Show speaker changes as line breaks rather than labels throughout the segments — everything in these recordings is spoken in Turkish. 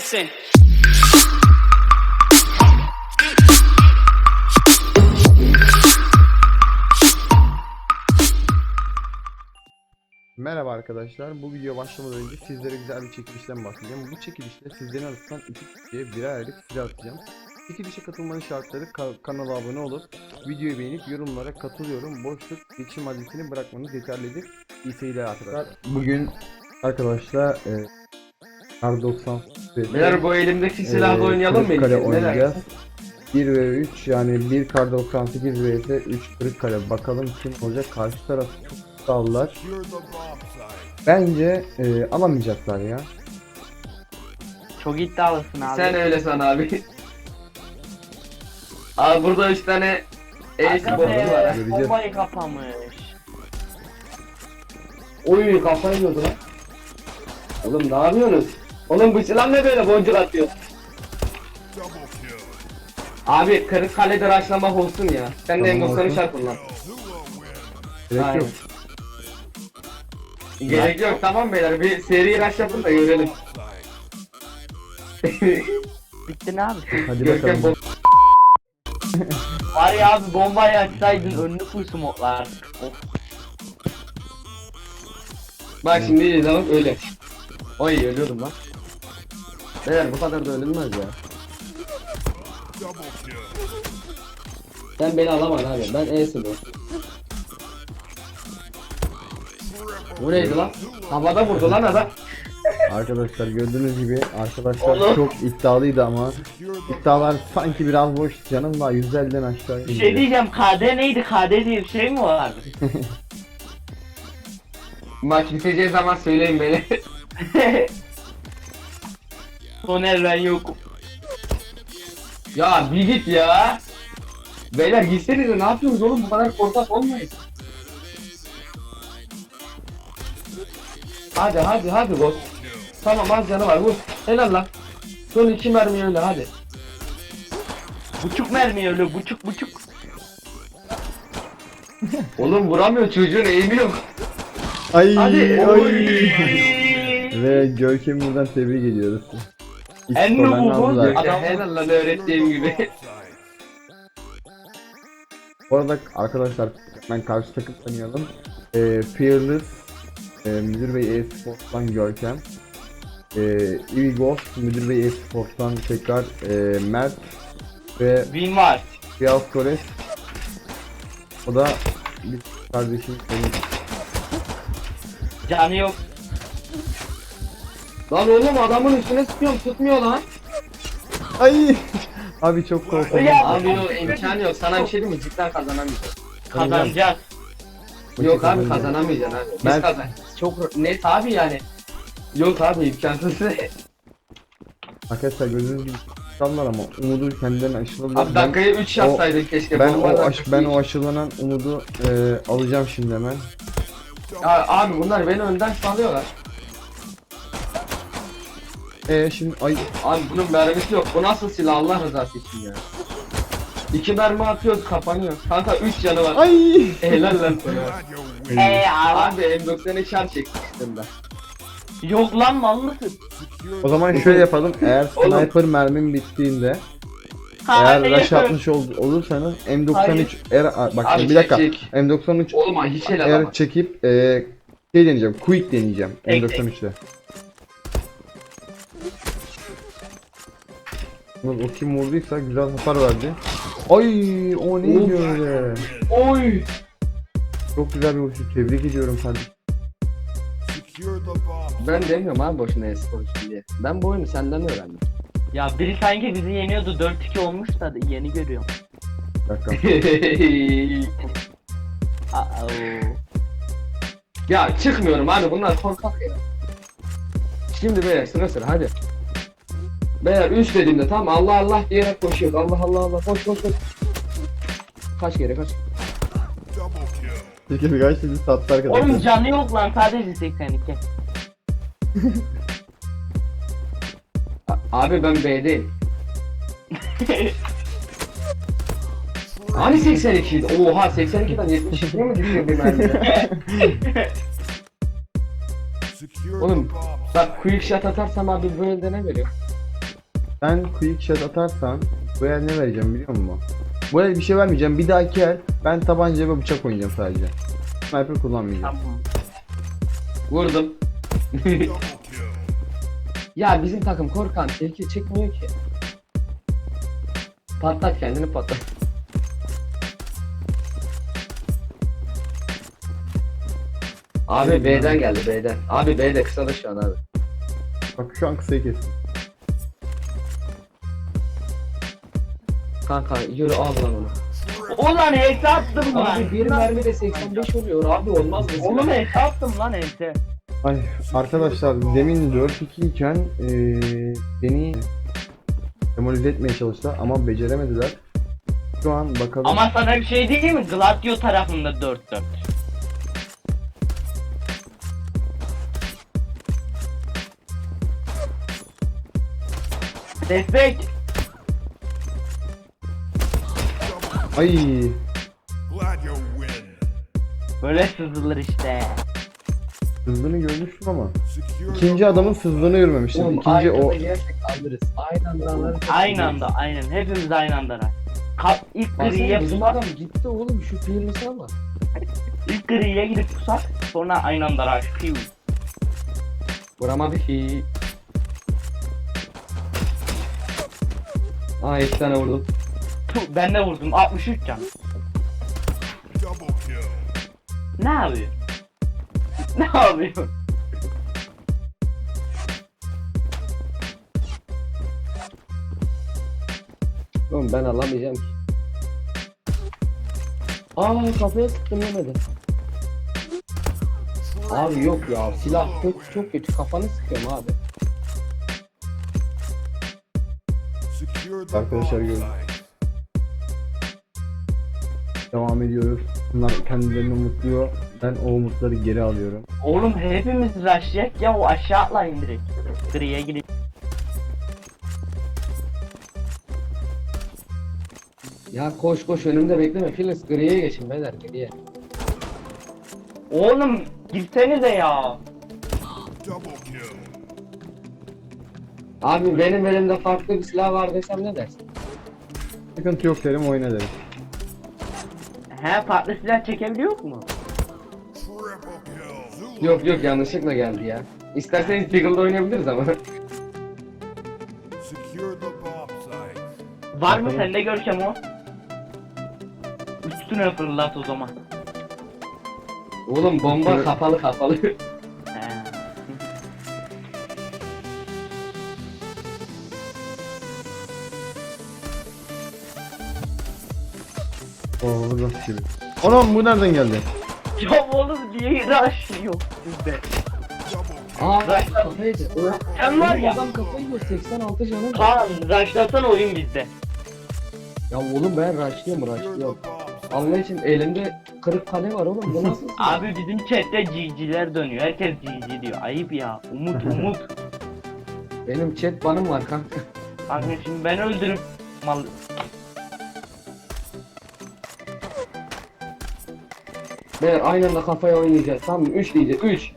listen.
Merhaba arkadaşlar, bu video başlamadan önce sizlere güzel bir çekilişten bahsedeceğim. Bu çekilişte sizlerin arasından iki kişiye birer aylık silah atacağım. Çekilişe katılmanın şartları kanala abone olup videoyu beğenip yorumlara katılıyorum, boşluk, geçim adresini bırakmanız yeterlidir. İyi seyirler arkadaşlar. Bugün arkadaşlar Kar 90
Beyler bu elimdeki silahla oynayalım mı?
Kırıkkale
Neler?
oynayacağız. 1 ve 3 yani 1 Kar 98 vs 3 Kırıkkale. Bakalım kim olacak, karşı taraf çok sağlılar. Bence alamayacaklar ya.
Çok iddialısın abi.
Sen öyle san abi. Abi burada 3 tane ace bombu var. ha.
Göreceğiz.
Bombayı kapamış.
Oy kafayı yiyordu lan. Oğlum ne yapıyorsunuz? Oğlum bu silah ne böyle boncuk atıyor? Abi Kırıkkale'de raşlamak olsun ya. Sen de
Tamam,
M90'ı
olsun.
şart kullan.
Gerek
Aynen.
yok.
Gerek yok tamam beyler, bir seri rush yapın da görelim.
Bitti ne abi?
Hadi
Görkem
bakalım.
Var ya abi bombayı açsaydın önünü full smoklar. Of.
Bak şimdi izlemek öyle. Oy ölüyordum lan. Beyler bu kadar da ölünmez ya. Sen beni alamadın abi, ben E'si bu. Bu neydi lan? Havada vurdu lan adam.
Arkadaşlar gördüğünüz gibi arkadaşlar
Oğlum.
çok iddialıydı ama iddialar sanki biraz boş, canım daha 150'den aşağı
Bir şey diyeceğim, KD neydi? KD diye bir şey mi vardı?
Maç biteceği zaman söyleyin beni.
Soner ben yokum.
Ya bir git ya. Beyler gitsenize, ne yapıyorsunuz oğlum, bu kadar korkak olmayın. Hadi boss. Tamam az canı var, vur. Helal lan. Son 2 mermi öyle hadi.
Buçuk mermi öyle buçuk.
Oğlum vuramıyor, çocuğun eğimi yok.
Ay
Hadi.
ay. Ve Görkem'i buradan tebrik ediyoruz.
En
İskolen
nubu bu.
aldılar.
Adam-
Helal lan öğrettiğim gibi.
Bu arada arkadaşlar ben karşı takım tanıyalım. Fearless, Müdür Bey e-Sports'tan Görkem. Eevee Ghost, Müdür Bey e-Sports'tan tekrar Mert ve
Win var.
Beyaz Kores. O da bir kardeşim benim.
Canı yok.
Lan oğlum adamın üstüne sıkıyorum, tutmuyor lan.
Ay! Abi çok korktum.
Ya.
Abi yok, imkanı yok, sana bir şey diyeyim mi, cidden kazanamayacağız.
Kazanacağız.
Yok abi kazanamayacaksın abi. Biz
Ben-
kazanacağız. Çok net abi yani. Yok abi imkansız.
Arkadaşlar gördüğünüz gibi tutanlar ama umudu kendilerine aşıladılar.
Abi dakikayı 3 yapsaydın keşke.
Ben
Bombadan
ben
çok
o
iyi.
aşılanan umudu alacağım şimdi hemen.
Ya abi bunlar beni önden salıyorlar.
Şimdi ay
Abi bunun mermisi yok. Bu nasıl silah Allah rızası için ya. 2 mermi atıyoruz kapanıyor. Kanka 3 canı var.
ay.
Helal lan sana.
Abi.
Abi M90'ı şar çekmiştim ben.
Yok lan mal mısın?
O zaman şöyle yapalım. Eğer
Oğlum.
sniper mermim bittiğinde
Hayır.
eğer rush atmış olursanız M93
Hayır.
bak
Abi
bir dakika.
çek.
M93
Oğlum ha hiç helal
eğer
ama.
çekip şey deneyeceğim. Quick deneyeceğim
Tek,
M93'te. O kim vurduysa güzel hasar verdi. Ay o neydi
Of.
öyle?
Oy.
Çok güzel bir vuruş. Tebrik ediyorum kardeşim.
Ben demiyorum abi boşuna espor diye. Ben bu oyunu senden öğrendim.
Ya biri sanki bizi yeniyordu 4-2 olmuş da yeni görüyorum.
Bir dakika.
Aa.
Ya çıkmıyorum abi, bunlar korkak ya. Şimdi beyler sıra hadi. Beyler 3 dediğimde tamam, Allah Allah diyerek koşuyor. Allah Allah Allah koş. Kaç kere kaç.
Peki birkaç sizi sattı arkadaşlar.
Oğlum canı yok lan sadece 82.
Abi ben B'deyim. Hani 82 'ydi? Oha 82'den 72'ye mi düşüyor bir mermide? Oğlum bak quick shot atarsam abi böyle de ne veriyor?
Sen quick shot atarsan bu el ne vereceğim biliyor musun? Bu el bir şey vermeyeceğim. Bir dahaki el ben tabanca ve bıçak oynayacağım sadece. Sniper kullanmayacağım.
Tamam.
Vurdum. Ya bizim takım korkan tehlike çekmiyor ki. Patlat kendini patlat. Abi B'den geldi B'den. Abi B'de kısa şu an abi.
Bak şu an kısayı kestim.
Kanka yürü al lan onu.
Ulan heyse attım lan.
Abi bir mermi de 85 oluyor abi olmaz mı?
Oğlum heyse attım lan heyse.
Ay arkadaşlar demin 4-2 iken beni demolize etmeye çalıştılar ama beceremediler. Şu an bakalım.
Ama sana bir şey diyeyim mi? Gladio tarafında 4-4. Destek.
Ay
Glad you win.
Böyle sızılır işte.
hızlını görmüştüm ama.
Secure
İkinci
the
adamın
bomb
hızlını görmemiştim.
Oğlum
İkinci
aynı
o.
anda yersek alırız. Aynı anda alırız.
Aynı anda aynen. Hepimiz aynı anda. İlk griye
Baksana bizim
pusak.
adam gitti oğlum şu filmisi ama.
İlk griye gidip pusak. Sonra aynı anda rush. Piu.
Vuramadı ki. Aa 2 tane vurdum.
Puh, ben de vurdum. 63 can.
double kill.
Ne yapıyor? Ne yapıyor?
Oğlum ben alamayacağım ki. Aa kafaya sıktım yemedi. Abi yok ya silah çok kötü kafanı sıkıyorum abi.
Secure the
Arkadaşlar
bomb
görün.
site.
Devam ediyoruz. Bunlar kendilerini umutluyor. Ben o umutları geri alıyorum.
Oğlum hepimiz rushlayacak ya o aşağı atlayın direkt. Griye gidip.
Ya koş koş önümde bekleme Filiz griye geçin beyler griye.
Oğlum girsenize ya.
Double kill.
Abi benim elimde farklı bir silah var desem ne dersin?
Sıkıntı yok derim oyna derim.
He farklı silah çekebiliyor mu?
Triple kill. Zulu.
Yok yok yanlışlıkla geldi ya. İsterseniz Deagle'da oynayabiliriz ama.
Secure the bomb site.
Var mı
Bakalım.
sende Görkem o? Üstüne fırlat o zaman.
Oğlum bomba
Evet.
kapalı.
He.
Oo nasıl gibi. Anam bu nereden geldi?
Ya oğlum niye rush yok bizde?
Double kill.
Aa kafaydı.
Sen var ya.
Adam kafayı yiyor 86 canım.
Kaan rushlasana oyun bizde.
Ya oğlum ben rushlıyorum.
Secure the bomb site.
Allah için elimde kırık kale var oğlum bu nasıl silah?
Abi bizim chatte GG'ler dönüyor. Herkes GG diyor. Ayıp ya. Umut.
Benim chat banım var kanka.
Kanka şimdi ben öldürüp mal...
Beyler aynı anda kafaya oynayacağız tamam mı? 3 diyeceğiz 3.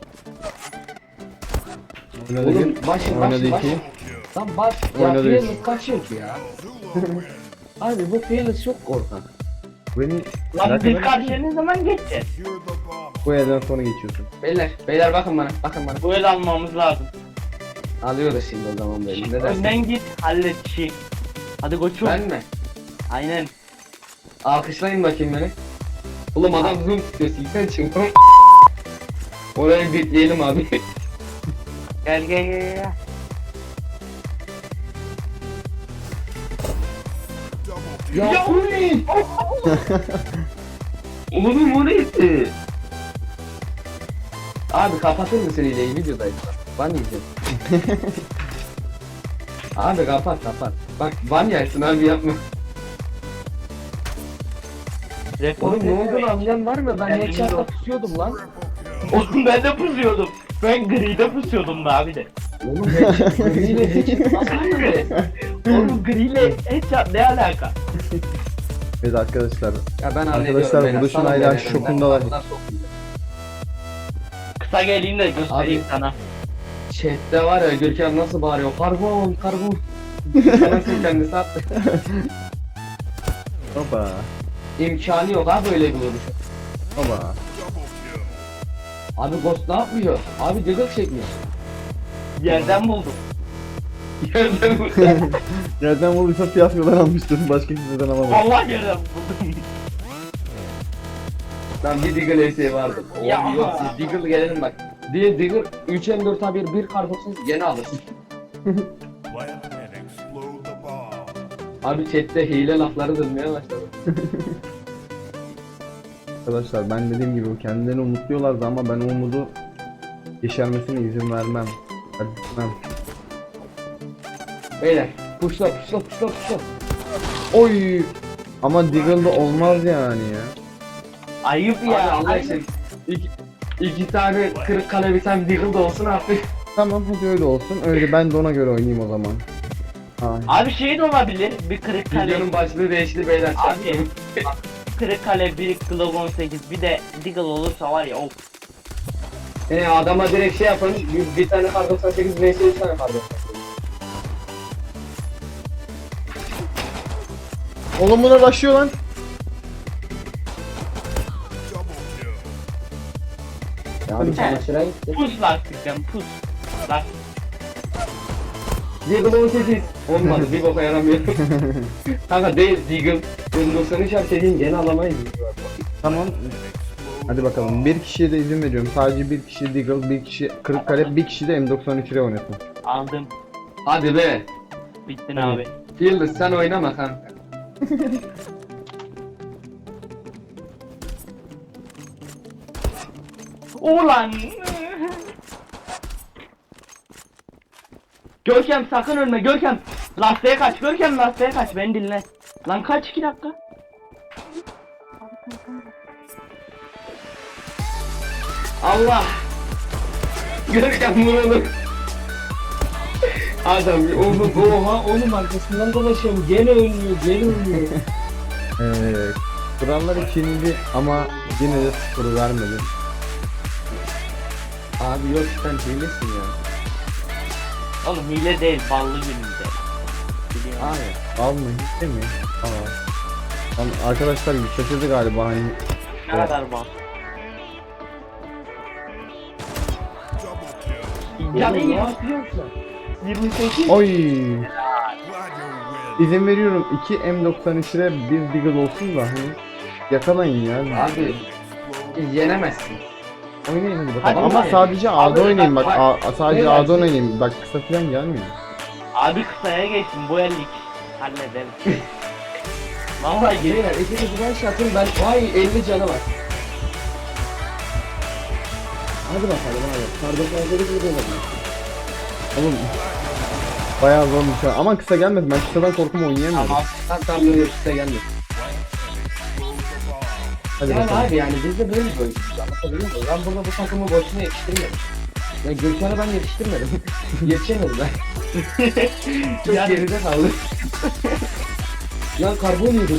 Oynadı
Oğlum
bir.
başın
Oynadı
başın
iki.
başın. Tam bas. Ya
Oynadı üç.
Fearless kaçıyor ki ya.
Zulu win.
Abi bu Fearless çok korkak.
Beni
Lan
merak
biz
eden-
karşıya ne zaman geçeceğiz?
Secure the bomb.
bu yerden sonra geçiyorsun.
Beyler bakın bana
Bu el almamız lazım.
Alıyoruz şimdi o zaman beni ne dersin?
Önden git hallet işi. Hadi koçum.
Ben mi?
Aynen.
Alkışlayın bakayım beni. Oğlum adam zoom tutuyor silsen çıkma. Orayı bitleyelim abi.
Gel.
Double kill.
Ya o ne? Oğlum o neydi? Abi kapatır mısın hileyi videodayız. Ban yiyeceğim. Abi kapat. Bak ban yersin abi yapma. Oğlum ne oldu lan anlayan var mı? Ben
Ben
headshot'ta
bilmiyorum.
pusuyordum lan.
Triple kill.
Oğlum ben de pusuyordum. Ben gri'de pusuyordum da abi de.
Oğlum headshot griyle headshot nasıl böyle?
Oğlum gri'yle headshot ne alaka?
Evet arkadaşlar.
Ya ben
Arkadaşlar,
beyler,
buluşun
salın
hala
beyler,
şokundalar.
ben sokmayacağım.
Kısa geleyim de göstereyim
Abi.
sana.
Chat'te var ya Görkem nasıl bağırıyor? Karbon. Nasıl kendisi attı?
Hopa.
İmkanı yok abi öyle bir vuruş.
Hopa.
Double kill.
Abi Ghost ne yapıyor? Abi Diggle çekmiş.
Yerden buldum.
Yerden vurdu.
Yerden vurduysa fiyaskodan almıştır. Başka kimseden alamaz.
Vallahi yerden buldum.
Lan bir Diggle eseği vardı.
Ya.
Oğlum yok siz Diggle gelelim bak. Diye Diggle 3M4 bir kartopsuz gene alırsın.
Plant and explode the bomb.
Abi chatte hile lafları dönmeye başladı.
Arkadaşlar ben dediğim gibi kendilerini umutluyorlardı ama ben o umudu yeşermesine izin vermem. Hadi gitmem.
Beyler pushla.
Oy! Ama Deagle'da olmaz yani ya.
Ayıp
Abi
ya.
Allah
ayıp.
için iki tane kırık kale bir tane Diggle de olsun artık.
Tamam hadi öyle olsun. Öyle ben de ona göre oynayayım o zaman. Ay.
Abi şey de olabilir. Bir kırık kale.
Videonun başlığı değişti beyler.
Abi. Bak, kırık kale, bir Glock 18, bir de Deagle olursa var ya of.
Adama direkt şey yapın. Bir tane kar 98 vs 3 tane kar 98.
Oğlum buna başlıyor lan.
Double kill.
Ya abi çamaşıra gitti.
Pus lastikten pus. Lastik.
Diggle 18. Olmadı bir boka yaramıyor. Kanka değil Diggle. 93 dediğin gene alamayız.
Tamam. Hadi bakalım. Bir kişiye de izin veriyorum. Sadece bir kişi Deagle, bir kişi Kırıkkale, bir kişi de M93'e oynasın.
Aldım.
Hadi be.
Bittin abi.
Fielder sen oynama kanka.
Ulan. Görkem sakın ölme Görkem. Lastiğe kaç Görkem, lastiğe kaç, beni dinle. Lan kaç 2 dakika.
Allah. Görkem vuralım. Adam oha oğlum arkasından dolaşıyorum gene ölmüyor.
Evet. Kurallar ikinci ama yine de skoru vermedi.
Abi yok sen hilesin ya.
Oğlum hile değil, ballı gününde. Biliyorum.
Abi.
Al mı? Hiç de mi? Aa. Lan arkadaşlar şaşırdı galiba hani.
Ne kadar bal.
Double kill.
Canı
Ne
20.
yapıyorsun?
28.
Oy!
Glad you win.
İzin veriyorum 2 M93'e bir Deagle olsun da hani yakalayın ya.
Abi yenemezsin.
Oynayın hadi bakalım.
Hadi
Ama
oynayın.
sadece A'da
Abi,
oynayın bak.
bak,
Sadece
beyler,
A'da oynayın. Bak kısa falan gelmiyor.
Abi kısaya geçsin, bu ellik. Hallederiz. Vallahi geri.
Beyler ikisi buradan şey atın ben vay 50 canı var. Hadi bakalım abi. Kardeşler gibi gidelim.
Oğlum bayağı zormuş ya. Aman kısa gelmedi. Ben kısadan korkum oynayamıyorum.
Tamam.
Tam böyle size geldi.
Hadi
Yani
bakalım.
abi yani biz de böyle bir oyuncu. Anlatabiliyor muyum? Ben burada bu takımı boşuna yetiştirmedim. Ya Gülşen'e ben yetiştirmedim. Yetişemedim ben. Çok
Yani-
geride kaldı. Lan karbon yedik.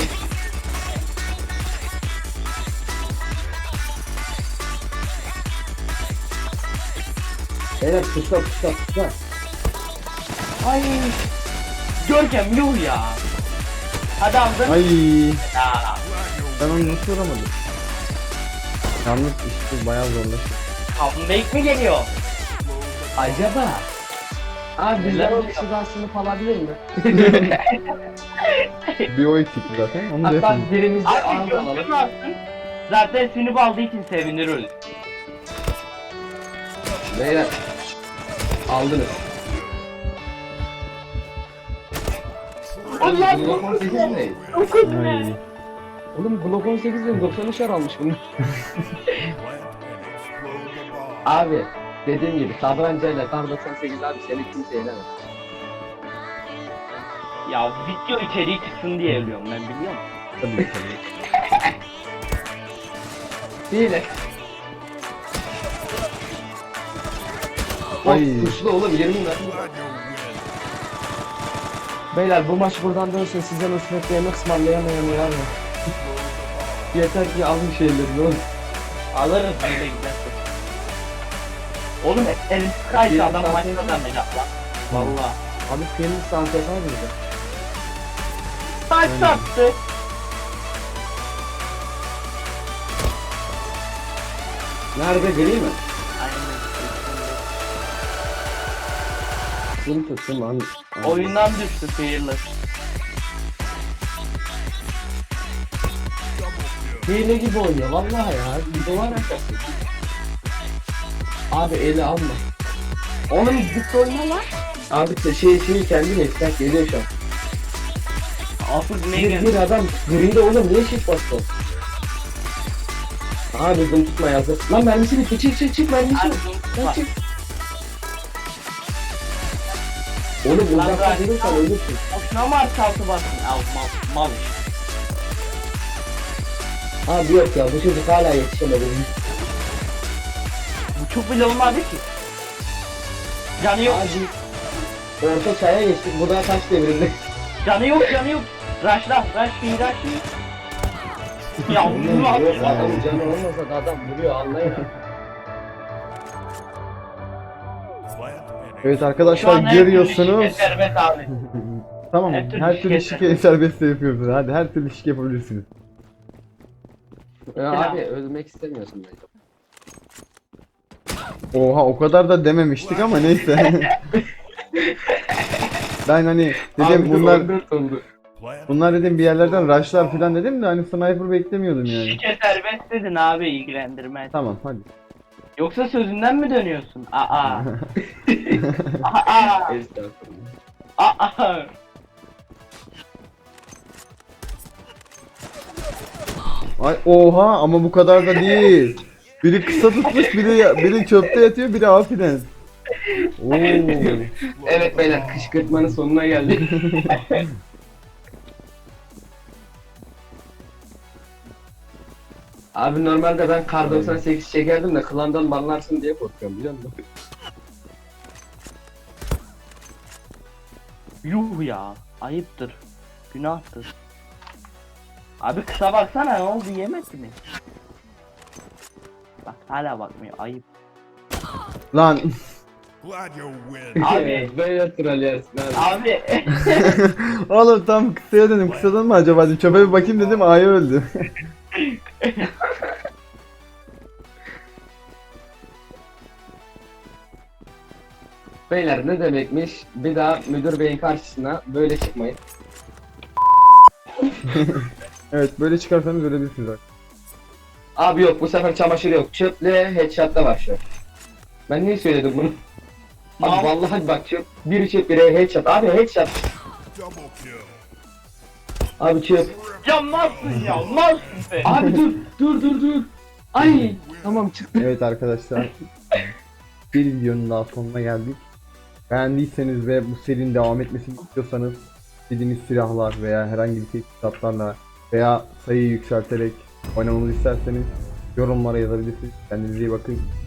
Beyler puşla.
Ay. Görkem yuh ya. Hadi aldın.
Ay.
Ya.
Ben onu nasıl vuramadım? Yalnız işte bayağı zorlaştı.
Comeback mi geliyor?
Acaba? Abi bizden
Neler
o
oluyor?
kişiden sınıf alabilir mi?
Bir o eksikti zaten. Onu da
Hatta
yapayım.
birimizde
Abi
ağız
Görkem
alalım.
alsın. Zaten sinip aldığı için seviniriz.
Beyler aldınız.
Allah
Glock 18 ne?
Ay.
Oğlum Glock 18 diyorum 93'er almış bunu.
Plant and explode the bomb.
Abi dediğim gibi tabanca ile kar 98 abi seni kimse yenemez.
Ya video içeriği çıksın diye ölüyorum ben, biliyor musun?
Tabii tabii.
Değil.
Ay.
Of güçlü oğlum 20 ver.
Glad you win.
Beyler bu maç buradan dönsün size nusret yemek ısmarlayamayan var mı? Yeter ki alın şeyleri oğlum.
Alırız böyle giderse. Oğlum elin kaydı adam
Bir
maçta
tane-
da merak lan. Valla.
Abi senin sans yapar mıydı?
Taş sattı.
Nerede, gri mi?
Aynen.
Kim tuttum lan?
Oyundan düştü Fearless.
Hile gibi oynuyor vallahi ya. Duvar arkası. Abi eli alma. Oğlum git oyna lan. Abi şey kendi mesleği geliyor şu an.
Asıl ne
Bir
geldi?
adam gride oğlum niye shift bastı? Abi bunu tutma yazık. Lan mermisi bitti, çık mermisi
Abi
bitti.
bunu
Lan
tutma.
çık. Oğlum
Lan
uzakta
bırak.
durursan ölürsün.
Boşuna mı artı altı bastın? Al mal.
Abi yok ya bu çocuk hala yetişemedi.
Bu çok bile olmadı ki. Canı yok.
Abi orta çaya geçtik, bu da taş devrinde.
Canı yok. Raşla. Ya bunu at.
Yok adam canı olmasa da adam vuruyor anlayın.
Plant and
Evet
Şu
arkadaşlar
an her türlü
görüyorsunuz.
şike serbest abi.
Tamam
her türlü
her türlü
şike
şike serbest de yapıyoruz. Hadi her türlü şike yapabilirsiniz.
Abi ölmek istemiyorsun bence.
Oha o kadar da dememiştik ama neyse. Ben hani dedim bunlar dedim bir yerlerden rushlar falan dedim de hani sniper beklemiyordum yani.
Şike serbest dedin abi, ilgilendirmez.
Tamam hadi.
Yoksa sözünden mi dönüyorsun? Aa. Aa. Aa.
Ay oha ama bu kadar da değil. Biri kısa tutmuş, biri çöpte yatıyor, biri afiden. Oo.
Evet beyler, kışkırtmanın sonuna geldik. Abi normalde ben kar 98 çekerdim de klandan banlarsın diye korkuyorum biliyor musun?
Yuh ya. Ayıptır. Günahtır. Abi kısa baksana, ne oldu, yemedi mi? Bak hala bakmıyor, ayıp.
Lan
glad you win.
Abi.
Böyle troll yersin abi.
Abi.
oğlum tam kısaya dedim, kısadan mı acaba dedim, çöpe bir bakayım dedim, A'ya öldü.
Beyler ne demekmiş? Bir daha müdür beyin karşısına böyle çıkmayın.
Evet böyle çıkarsanız ölebilirsiniz artık.
Abi yok, bu sefer çamaşır yok. Çöple headshot'ta var şu an. Ben niye söyledim bunu? Abi vallahi bak çöp. Biri çöp, biri headshot. Abi headshot.
Double kill.
Abi çöp.
Yanmazsın sen.
Abi dur. Ay tamam çıktı.
Evet arkadaşlar, bir videonun daha sonuna geldik. Beğendiyseniz ve bu serinin devam etmesini istiyorsanız istediğiniz silahlar veya herhangi bir teçhizatlarla veya sayıyı yükselterek oynamamızı isterseniz yorumlara yazabilirsiniz. Kendinize iyi bakın.